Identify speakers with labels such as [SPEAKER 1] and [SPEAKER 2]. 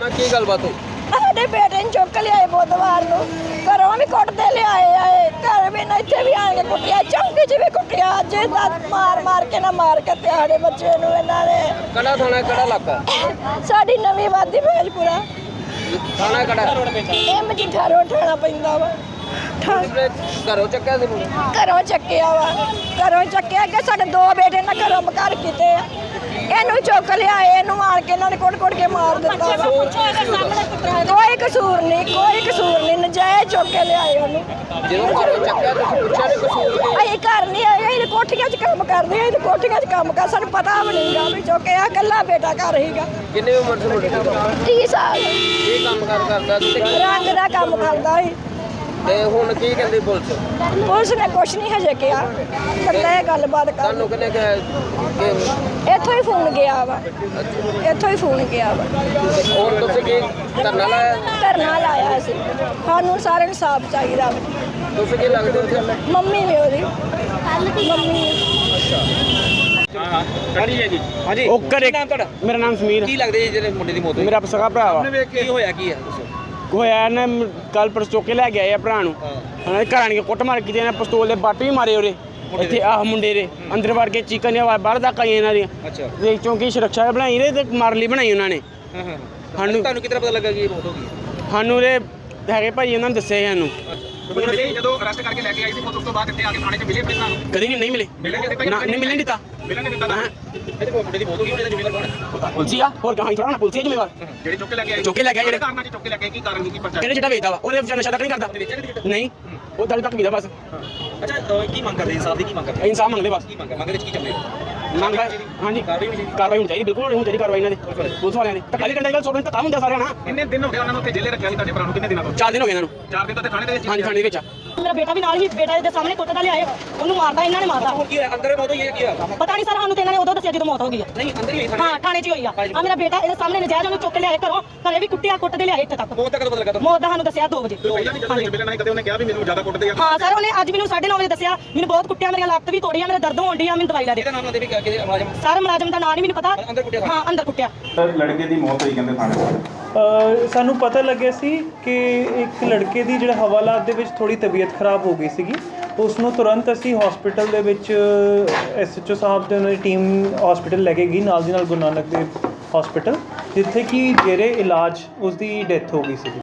[SPEAKER 1] ਮੈਂ ਕੀ ਗੱਲਬਾਤ ਹੋਈ?
[SPEAKER 2] ਸਾਡੇ ਬੇਟੇ ਨੂੰ ਚੁੱਕ ਲਿਆਏ ਬੁੱਧਵਾਰ ਨੂੰ, ਘਰੋਂ ਵੀ ਕੁੱਟਦੇ ਲਿਆਏ ਘਰ ਵੀ ਨਾ ਇੱਥੇ ਵੀ ਆ ਕੇ ਕੁੱਟਿਆ, ਚੌਂਕੀ 'ਚ ਵੀ ਕੁੱਟਿਆ। ਅੱਜ ਮਾਰ ਕੇ ਨਾ ਮਾਰ ਕੇ ਤੇ ਸਾਡੇ ਬੱਚੇ ਨੂੰ ਇਹਨਾਂ ਨੇ।
[SPEAKER 1] ਕਿਹੜਾ ਥਾਣਾ ਕਿਹੜਾ ਇਲਾਕਾ?
[SPEAKER 2] ਸਾਡੀ ਨਵੀਂ ਵਾਦੀ ਭੇਜਪੁਰਾ
[SPEAKER 1] ਥਾਣਾ ਕਿਹੜਾ?
[SPEAKER 2] ਇਹ ਮਜੀਠਾ ਰੋਡ ਠਾਣਾ ਪੈਂਦਾ ਵਾ।
[SPEAKER 1] ਘਰੋਂ ਚੱਕਿਆ ਸੀ ਮੁੰਡੇ?
[SPEAKER 2] ਘਰੋਂ ਚੱਕਿਆ ਕਿ ਸਾਡੇ ਦੋ ਬੇਟੇ ਨਾ ਘਰੋਂ ਬਕਰ ਕੀਤੇ ਆ। ਇਹਨੂੰ ਚੁੱਕ ਲਿਆਏ, ਇਹਨੂੰ ਮਾਰ ਕੇ ਇਹਨਾਂ ਨੇ ਕੁੱਟ ਕੇ ਮਾਰ ਦਿੱਤਾ ਵਾ। ਕੋਈ ਕਸੂਰ ਨਹੀਂ, ਨਜਾਇਜ਼ ਚੁੱਕ ਕੇ ਲਿਆਏ ਉਹਨੂੰ।
[SPEAKER 1] ਜਦੋਂ ਘਰੋਂ ਚੱਕਿਆ ਤੁਸੀਂ ਪੁੱਛਿਆ ਨਹੀਂ ਕਸੂਰ ਕੀ?
[SPEAKER 2] ਅਸੀਂ ਘਰ ਨਹੀਂ ਆਏ, ਇਹ ਕੋਠੀਆਂ 'ਚ ਕੰਮ ਕਰਦੇ ਆ, ਇਹ ਕੋਠੀਆਂ 'ਚ ਕੰਮ ਕਰ, ਸਾਨੂੰ ਪਤਾ ਵੀ ਨਹੀਂਗਾ ਵੀ ਚੁੱਕਿਆ। ਇਕੱਲਾ ਬੇਟਾ ਘਰ ਹੀਗਾ।
[SPEAKER 1] ਕਿੰਨੀ ਉਮਰ ਸੀ ਮੁੰਡੇ ਦੀ?
[SPEAKER 2] 30 ਸਾਲ।
[SPEAKER 1] ਕੀ ਕੰਮ ਕਰਦਾ ਸੀ?
[SPEAKER 2] ਰੰਗ ਦਾ ਕੰਮ ਕਰਦਾ ਸੀ।
[SPEAKER 1] ਤੇ ਹੁਣ ਕੀ ਕਹਿੰਦੀ ਪੁਲਿਸ?
[SPEAKER 2] ਪੁਲਿਸ ਨੇ ਕੁਛ ਨਹੀਂ ਹਜੇ ਕਿਹਾ, ਕੱਲਾ ਇਹ ਗੱਲਬਾਤ ਕਰ।
[SPEAKER 1] ਤੁਹਾਨੂੰ ਕਿਹਨੇ ਕਿਹਾ ਕਿ
[SPEAKER 2] ਇੱਥੋਂ ਹੀ ਫੋਨ ਗਿਆ ਵਾ।
[SPEAKER 1] ਹੋਰ ਤੁਸੀਂ ਕੀ ਧਰਨਾ ਲਾਇਆ?
[SPEAKER 2] ਧਰਨਾ ਲਾਇਆ ਸੀ। ਸਾਨੂੰ ਸਾਰਿਆਂ ਨੂੰ ਸਾਫ ਚਾਹੀਦਾ ਵਾ।
[SPEAKER 1] ਤੁਸੀਂ ਕੀ ਲੱਗਦੇ ਹੋ?
[SPEAKER 2] ਮੰਮੀ ਵੀ ਉਹਦੀ ਮੰਮੀ।
[SPEAKER 1] ਹਾਂਜੀ ਹੈ ਜੀ। ਹਾਂਜੀ
[SPEAKER 3] ਉਹ ਘਰੇ
[SPEAKER 1] ਨਾਮ ਤੁਹਾਡਾ?
[SPEAKER 3] ਮੇਰਾ ਨਾਮ ਸਮੀਰ।
[SPEAKER 1] ਕੀ ਲੱਗਦੇ ਜੀ ਜਿਹੜੇ ਮੁੰਡੇ ਦੀ ਮੌਤ ਹੋਈ?
[SPEAKER 3] ਮੇਰਾ ਸਗਾ ਭਰਾ ਵਾ।
[SPEAKER 1] ਕੀ ਹੋਇਆ ਕੀ ਹੈ ਦੱਸੋ?
[SPEAKER 3] ਹੋਇਆ ਨਾ ਕੱਲ ਪਰਸ ਚੁੱਕ ਕੇ ਲੈ ਕੇ ਆਏ ਆ ਭਰਾ ਨੂੰ। ਉਹਨਾਂ ਦੇ ਘਰਾਂ ਨੇ ਕੁੱਟ ਮਾਰ ਕੀਤੀ, ਇਹਨਾਂ ਪਿਸਤੌਲ ਦੇ ਬੱਟ ਵੀ ਮਾਰੇ ਉਹਦੇ ਇੱਥੇ ਆਹ ਮੁੰਡੇ ਦੇ ਅੰਦਰ ਵੜ ਕੇ ਚੀਕਾਂ ਦੀਆਂ ਬਾਹਰ ਤੱਕ ਆਈਆਂ ਇਹਨਾਂ ਦੀਆਂ।
[SPEAKER 1] ਅੱਛਾ।
[SPEAKER 3] ਤੇ ਚੌਂਕੀ ਸੁਰੱਖਿਆ ਬਣਾਈ ਰਹੇ ਤੇ ਮਾਰ ਲਈ ਬਣਾਈ ਉਹਨਾਂ ਨੇ।
[SPEAKER 1] ਤੁਹਾਨੂੰ ਕਿਤਨਾ ਪਤਾ ਲੱਗਾ ਕਿ ਇਹ ਮੌਤ ਹੋ ਗਈ?
[SPEAKER 3] ਸਾਨੂੰ ਦੇ ਹੈਗੇ ਭਾਈ ਉਹਨਾਂ ਨੇ ਦੱਸਿਆ ਸਾਨੂੰ।
[SPEAKER 4] ਜਦੋਂ ਅਰੈਸਟ ਕਰਕੇ ਲੈ ਕੇ ਆਈ ਸੀ ਉਸ ਤੋਂ ਬਾਅਦ ਇੱਥੇ ਆ ਕੇ ਥਾਣੇ 'ਚ ਮਿਲੇ ਪਹਿਲਾਂ
[SPEAKER 3] ਕਦੀ ਨਹੀਂ ਮਿਲੇ ਨਾ, ਨਹੀਂ ਮਿਲਣ ਦਿੱਤਾ।
[SPEAKER 4] ਮਿਲਣ ਨਹੀਂ ਦਿੱਤਾ।
[SPEAKER 1] ਇਹਦੇ ਮੁੰਡੇ ਦੀ ਮੌਤ ਹੋ ਗਈ, ਉਹਦਾ ਜ਼ਿੰਮੇਵਾਰ ਕੌਣ ਹੈ?
[SPEAKER 3] ਪੁਲਸੀ ਆ, ਹੋਰ ਕਹਾਂ ਥੋੜਾ ਨਾ ਪੁਲਸੀ ਜ਼ਿੰਮੇਵਾਰ।
[SPEAKER 4] ਜਿਹੜੇ ਚੁੱਕ ਕੇ ਲੈ ਕੇ ਆਏ
[SPEAKER 3] ਜਿਹੜੇ
[SPEAKER 4] ਕਾਰਨਾਂ 'ਚ ਚੁੱਕ ਕੇ ਲੈ ਕੇ ਆਏ, ਕੀ ਕਾਰਨ ਕੀ ਪਰਚਾ?
[SPEAKER 3] ਕਿਹੜੇ ਜਿਹੜਾ ਵੇਚਦਾ ਵਾ ਉਹਦੇ ਵਿਚਾਰ ਨਸ਼ਾ ਤੱਕ ਨਹੀਂ ਕਰਦਾ। ਨਹੀਂ, ਉਹ ਦਲ ਤੱਕ ਵੀਦਾ ਬਸ
[SPEAKER 1] ਅੱਛਾ ਕੀ ਮੰਗ ਕਰਦੇ ਇਨਸਾਫ ਦੀ? ਕੀ ਮੰਗ ਕਰਦੇ?
[SPEAKER 3] ਇਨਸਾਫ ਮੰਗਦੇ ਬਸ।
[SPEAKER 1] ਕੀ ਮੰਗ ਵਿੱਚ ਕੀ ਚੱਲੇ?
[SPEAKER 3] ਮੰਗ ਹਾਂਜੀ ਕਾਰਵਾਈ ਹੋਣੀ ਚਾਹੀਦੀ, ਬਿਲਕੁਲ ਹੋਣੀ ਚਾਹੀਦੀ ਕਾਰਵਾਈ ਇਹਨਾਂ ਦੀ ਪੁਲਿਸ ਵਾਲਿਆਂ ਦੀ। ਧੱਕਾ ਨਹੀਂ ਕਰਨਾ ਚਾਹੀਦਾ, ਸੋਚ ਧੱਕਾ ਹੁੰਦਾ ਸਾਰਿਆਂ ਨਾਲ।
[SPEAKER 4] ਕਿੰਨੇ ਦਿਨ ਹੋ ਗਏ ਉਹਨਾਂ ਨੂੰ ਉੱਥੇ ਜੇਲੇ ਰੱਖਿਆ ਸੀ ਤੁਹਾਡੇ ਭਰਾ ਨੂੰ? ਕਿੰਨੇ ਦਿਨਾਂ ਤੋਂ?
[SPEAKER 3] 4 ਦਿਨ ਹੋ ਗਏ ਇਹਨਾਂ ਨੂੰ।
[SPEAKER 4] 4 ਦਿਨ ਤੋਂ ਥਾਣੇ ਦੇ ਵਿੱਚ?
[SPEAKER 3] ਹਾਂਜੀ ਥਾਣੇ ਦੇ ਵਿੱਚ ਆ।
[SPEAKER 5] ਮੇਰਾ ਬੇਟਾ ਵੀ ਨਾਲ ਹੀ, ਬੇਟਾ ਦੇ ਸਾਹਮਣੇ ਕੁੱਟਦਾ ਲਿਆਏ, ਉਹਨੂੰ ਮਾਰਦਾ, ਇਹਨਾਂ ਨੇ ਮਾਰਦਾ।
[SPEAKER 1] ਹੁਣ ਕੀ ਹੋਇਆ? ਅੰਦਰ ਮੌਤ ਹੋਈ ਹੈ? ਕੀ ਹੋਇਆ?
[SPEAKER 5] ਪਤਾ ਨਹੀਂ ਸਰ, ਸਾਨੂੰ ਤੇ ਇਹਨਾਂ ਨੇ ਉਦੋਂ ਦੱਸਿਆ ਜਦੋਂ ਮੌਤ ਹੋ ਗਈ ਆ।
[SPEAKER 1] ਨਹੀਂ ਅੰਦਰ ਹੀ ਹੋਈ?
[SPEAKER 5] ਹਾਂ ਥਾਣੇ 'ਚ ਹੀ ਹੋਈ ਆ। ਆ ਮੇਰਾ ਬੇਟਾ ਇਹਦੇ ਸਾਹਮਣੇ ਨਜਾਇਜ਼ ਉਹਨੂੰ ਚੁੱਕ ਕੇ ਲਿਆਏ ਘਰੋਂ, ਘਰੇ ਵੀ ਕੁੱਟਿਆ, ਕੁੱਟਦੇ ਲਿਆਏ ਇੱਥੇ ਤੱਕ।
[SPEAKER 1] ਮੌਤ ਦਾ ਕਦੋਂ ਪਤਾ ਲੱਗਾ ਤੁਹਾਨੂੰ?
[SPEAKER 5] ਮੌਤ ਦਾ ਸਾਨੂੰ ਦੱਸਿਆ 2 ਵਜੇ।
[SPEAKER 4] ਮਿਲਣ ਆਏ ਕਦੇ ਉਹਨੇ ਕਿਹਾ ਵੀ ਮੈਨੂੰ ਜ਼ਿਆਦਾ ਕੁੱਟਦੇ ਆ?
[SPEAKER 5] ਹਾਂ ਸਰ, ਉਹਨੇ ਅੱਜ ਮੈਨੂੰ 9:30 ਵਜੇ ਦੱਸਿਆ, ਮੈਨੂੰ ਬਹੁਤ ਕੁੱਟਿਆ, ਮੇਰੀਆਂ ਲੱਤ ਵੀ ਤੋੜੀਆਂ, ਮੇਰੇ ਦਰਦ ਹੋਣ ਡਈ ਆ, ਮੈਨੂੰ ਦਵਾਈ ਲੈ ਦੇ।
[SPEAKER 1] ਇਹਦਾ ਨਾਮ ਨਾ ਦੇ ਵੀ ਕਿ ਮੁਲਾਜ਼ਮ?
[SPEAKER 5] ਸਰ ਮੁਲਾਜ਼ਮ ਦਾ ਨਾਂ ਨਹੀਂ ਮੈਨੂੰ ਪਤਾ।
[SPEAKER 1] ਅੰਦਰ ਕੁੱਟਿਆ?
[SPEAKER 5] ਹਾਂ ਅੰਦਰ ਕੁੱਟਿਆ।
[SPEAKER 4] ਲੜਕੇ ਦੀ ਮੌਤ ਹੋਈ ਕਹਿੰਦੇ ਥਾਣੇ 'ਚ।
[SPEAKER 6] ਸਾਨੂੰ ਪਤਾ ਲੱਗਿਆ ਸੀ ਕਿ ਇੱਕ ਲੜਕੇ ਦੀ ਜਿਹੜਾ ਹਵਾਲਾਤ ਦੇ ਵਿੱਚ ਥੋੜੀ ਤਬੀਅਤ ਖਰਾਬ ਹੋ ਗਈ ਸੀਗੀ। ਉਸ ਨੂੰ ਤੁਰੰਤ ਅਸੀਂ ਹਸਪੀਟਲ ਦੇ ਵਿੱਚ SHO ਸਾਹਿਬ ਦੇ ਉਹਨਾਂ ਦੀ ਟੀਮ ਹਸਪੀਟਲ ਲੈ ਕੇ ਗਈ, ਨਾਲ ਦੀ ਨਾਲ ਗੁਰੂ ਨਾਨਕ ਦੇਵ ਹਸਪੀਟਲ, ਜਿੱਥੇ ਕਿ ਜੇਰੇ ਇਲਾਜ ਉਸ ਦੀ ਡੈਥ ਹੋ ਗਈ ਸੀ।